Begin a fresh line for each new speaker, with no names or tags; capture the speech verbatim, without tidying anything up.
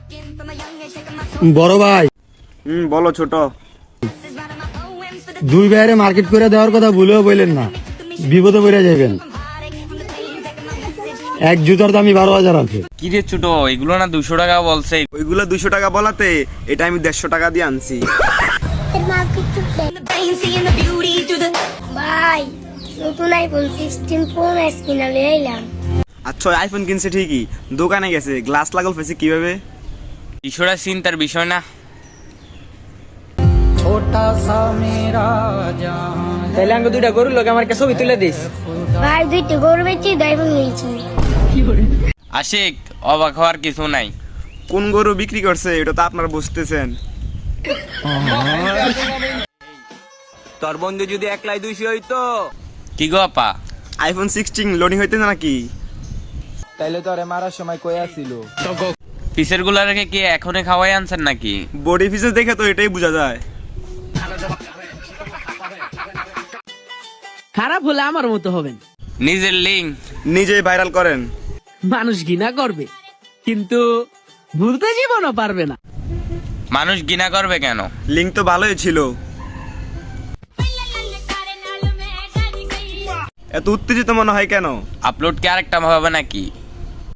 বড় ভাই,
হুম বলো ছোট।
দুই ভাইয়ের মার্কেট করে দেওয়ার কথা ভুলেও বললেন না, বিপদে পড়ে যাবেন। এক জুতার দামই বারো হাজার আছে।
কি রে ছোট, এগুলো না দুশো টাকা বলছে।
ওইগুলো দুশো টাকা বলাতে এটা আমি দেড়শো টাকা দিয়ে আনছি।
ভাই নতুন আইফোন সিক্সটিন প্রো ম্যাক্স কিনা লই আইলাম।
আচ্ছা আইফোন কিনছে ঠিকই, দোকানে গেছে গ্লাস লাগল ফেসে কিভাবে?
বিষয়টা চিন্তার বিষয় না।
তাইলে আঙ্গ দুইটা গরুর লোক আমার কাছে ছবি তুলে দিস।
ভাই দুইটা গরু বেচি আইফোন কিনছি।
আশিক, অবাক হওয়ার কিছু নাই।
কোন গরু বিক্রি করছে এটা তো আপনারা বুঝতেছেন।
তোর বন্ধু যদি একলাই দুইশো হইতো
কি গো আপা?
আইফোন সিক্সটিন লোডিং হইতে না নাকি?
তাইলে তোরে মারার সময় কই আসিল।
পিসের গুলা রেখে কি এখনই খাওয়াই আনছেন নাকি?
বডি ফিচার দেখে তো এটাই বোঝা যায়।
খারাপ হলে আমার মতো হবেন,
নিজের লিঙ্ক
নিজেই ভাইরাল করেন।
মানুষ ঘৃণা করবে কিন্তু ভুলতে জীবনও পারবে না।
মানুষ ঘৃণা করবে কেন?
লিঙ্ক তো ভালোই ছিল। এত উত্তেজিত মনে হয় কেন?
আপলোড কি আরেকটা ভাবে নাকি?